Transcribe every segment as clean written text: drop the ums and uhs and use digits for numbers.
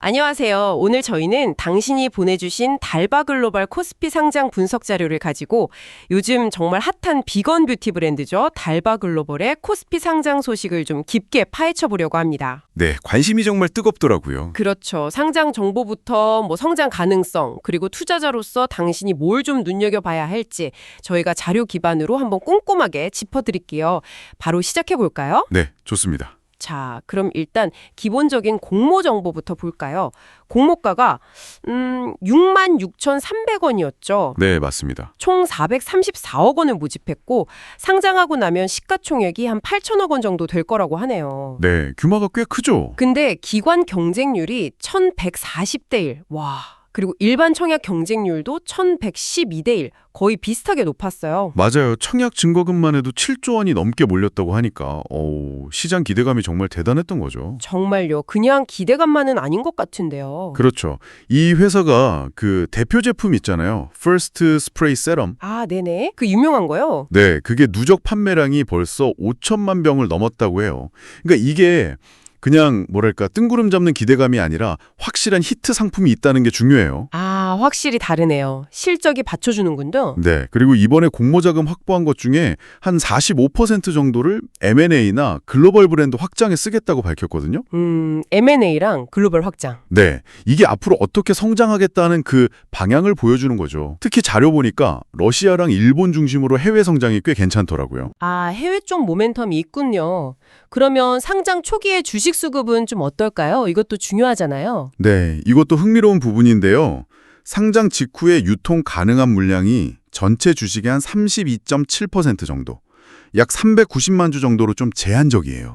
안녕하세요. 오늘 저희는 당신이 보내주신 달바글로벌 코스피 상장 분석 자료를 가지고 요즘 정말 핫한 비건 뷰티 브랜드죠. 달바글로벌의 코스피 상장 소식을 좀 깊게 파헤쳐 보려고 합니다. 네, 관심이 정말 뜨겁더라고요. 그렇죠. 상장 정보부터 성장 가능성, 그리고 투자자로서 당신이 뭘 좀 눈여겨봐야 할지 저희가 자료 기반으로 한번 꼼꼼하게 짚어드릴게요. 바로 시작해 볼까요? 네, 좋습니다. 자, 그럼 일단 기본적인 공모 정보부터 볼까요? 공모가가 66,300원이었죠. 네, 맞습니다. 총 434억 원을 모집했고 상장하고 나면 시가총액이 한 8천억 원 정도 될 거라고 하네요. 네, 규모가 꽤 크죠? 근데 기관 경쟁률이 1140대 1. 와. 그리고 일반 청약 경쟁률도 1112대 1. 거의 비슷하게 높았어요. 맞아요. 청약 증거금만 해도 7조 원이 넘게 몰렸다고 하니까 시장 기대감이 정말 대단했던 거죠. 정말요. 그냥 기대감만은 아닌 것 같은데요. 그렇죠. 이 회사가 그 대표 제품 있잖아요. First Spray Serum. 아, 네네. 그 유명한 거요? 네, 그게 누적 판매량이 벌써 5천만 병을 넘었다고 해요. 그러니까 이게 그냥 뭐랄까 뜬구름 잡는 기대감이 아니라 확실한 히트 상품이 있다는 게 중요해요. 아, 확실히 다르네요. 실적이 받쳐주는군요. 네, 그리고 이번에 공모자금 확보한 것 중에 한 45% 정도를 M&A나 글로벌 브랜드 확장에 쓰겠다고 밝혔거든요. M&A랑 글로벌 확장. 네, 이게 앞으로 어떻게 성장하겠다는 그 방향을 보여주는 거죠. 특히 자료 보니까 러시아랑 일본 중심으로 해외 성장이 꽤 괜찮더라고요. 아, 해외 쪽 모멘텀이 있군요. 그러면 상장 초기의 주식 수급은 좀 어떨까요? 이것도 중요하잖아요. 네, 이것도 흥미로운 부분인데요. 상장 직후에 유통 가능한 물량이 전체 주식의 한 32.7% 정도, 약 390만 주 정도로 좀 제한적이에요.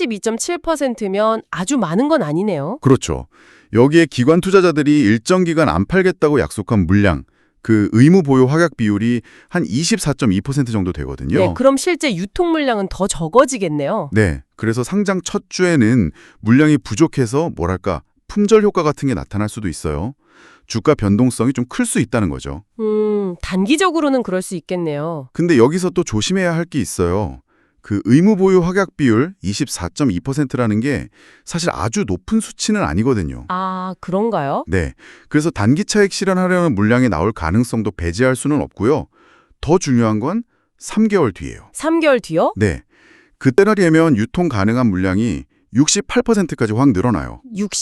32.7%면 아주 많은 건 아니네요. 그렇죠. 여기에 기관 투자자들이 일정 기간 안 팔겠다고 약속한 물량, 그 의무 보유 확약 비율이 한 24.2% 정도 되거든요. 네, 그럼 실제 유통 물량은 더 적어지겠네요. 네, 그래서 상장 첫 주에는 물량이 부족해서 뭐랄까 품절 효과 같은 게 나타날 수도 있어요. 주가 변동성이 좀 클 수 있다는 거죠. 단기적으로는 그럴 수 있겠네요. 근데 여기서 또 조심해야 할 게 있어요. 그 의무 보유 확약 비율 24.2%라는 게 사실 아주 높은 수치는 아니거든요. 아, 그런가요? 네, 그래서 단기 차익 실현하려는 물량이 나올 가능성도 배제할 수는 없고요. 더 중요한 건 3개월 뒤예요. 3개월 뒤요? 네, 그때라면 유통 가능한 물량이 68%까지 확 늘어나요.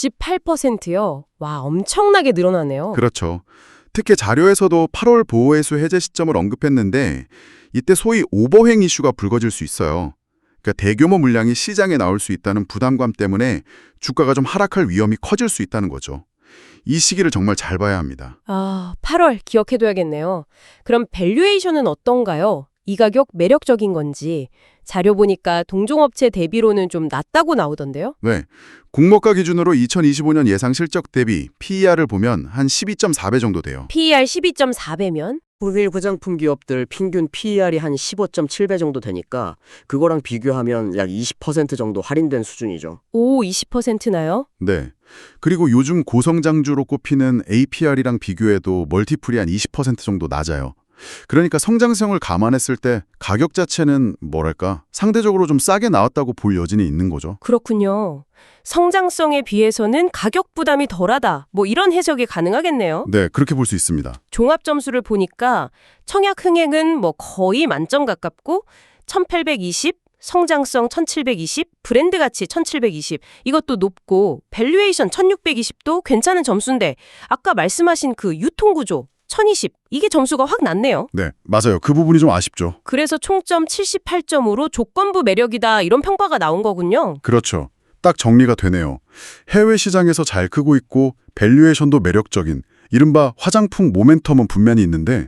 68%요? 와, 엄청나게 늘어나네요. 그렇죠. 특히 자료에서도 8월 보호회수 해제 시점을 언급했는데 이때 소위 오버행 이슈가 불거질 수 있어요. 그러니까 대규모 물량이 시장에 나올 수 있다는 부담감 때문에 주가가 좀 하락할 위험이 커질 수 있다는 거죠. 이 시기를 정말 잘 봐야 합니다. 아, 8월 기억해둬야겠네요. 그럼 밸류에이션은 어떤가요? 이 가격 매력적인 건지. 자료 보니까 동종업체 대비로는 좀 낮다고 나오던데요? 네, 공모가 기준으로 2025년 예상 실적 대비 PER을 보면 한 12.4배 정도 돼요. PER 12.4배면? 후일 화장품 기업들 평균 PER이 한 15.7배 정도 되니까 그거랑 비교하면 약 20% 정도 할인된 수준이죠. 오, 20%나요? 네, 그리고 요즘 고성장주로 꼽히는 APR이랑 비교해도 멀티플이 한 20% 정도 낮아요. 그러니까 성장성을 감안했을 때 가격 자체는 뭐랄까 상대적으로 좀 싸게 나왔다고 볼 여지는 있는 거죠. 그렇군요. 성장성에 비해서는 가격 부담이 덜하다. 이런 해석이 가능하겠네요. 네, 그렇게 볼 수 있습니다. 종합 점수를 보니까 청약 흥행은 거의 만점 가깝고 1820, 성장성 1720, 브랜드 가치 1720 이것도 높고 밸류에이션 1620도 괜찮은 점수인데 아까 말씀하신 그 유통구조 1020 이게 점수가 확 낮네요. 네, 맞아요. 그 부분이 좀 아쉽죠. 그래서 총점 78점으로 조건부 매력이다 이런 평가가 나온 거군요. 그렇죠. 딱 정리가 되네요. 해외 시장에서 잘 크고 있고 밸류에이션도 매력적인 이른바 화장품 모멘텀은 분명히 있는데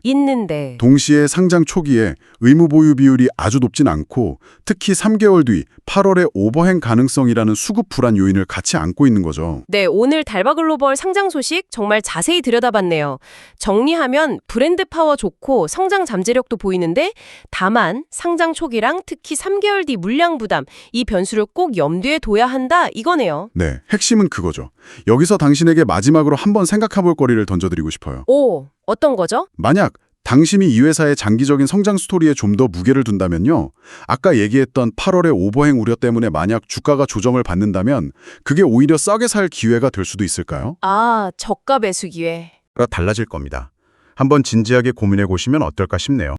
동시에 상장 초기에 의무 보유 비율이 아주 높진 않고 특히 3개월 뒤 8월에 오버행 가능성이라는 수급 불안 요인을 같이 안고 있는 거죠. 네, 오늘 달바글로벌 상장 소식 정말 자세히 들여다봤네요. 정리하면 브랜드 파워 좋고 성장 잠재력도 보이는데 다만 상장 초기랑 특히 3개월 뒤 물량 부담 이 변수를 꼭 염두에 둬야 한다 이거네요. 네, 핵심은 그거죠. 여기서 당신에게 마지막으로 한번 생각해볼 거리를 던져드리고 싶어요. 오, 어떤 거죠? 만약 당신이 이 회사의 장기적인 성장 스토리에 좀 더 무게를 둔다면요. 아까 얘기했던 8월의 오버행 우려 때문에 만약 주가가 조정을 받는다면 그게 오히려 싸게 살 기회가 될 수도 있을까요? 아, 저가 매수 기회. 달라질 겁니다. 한번 진지하게 고민해 보시면 어떨까 싶네요.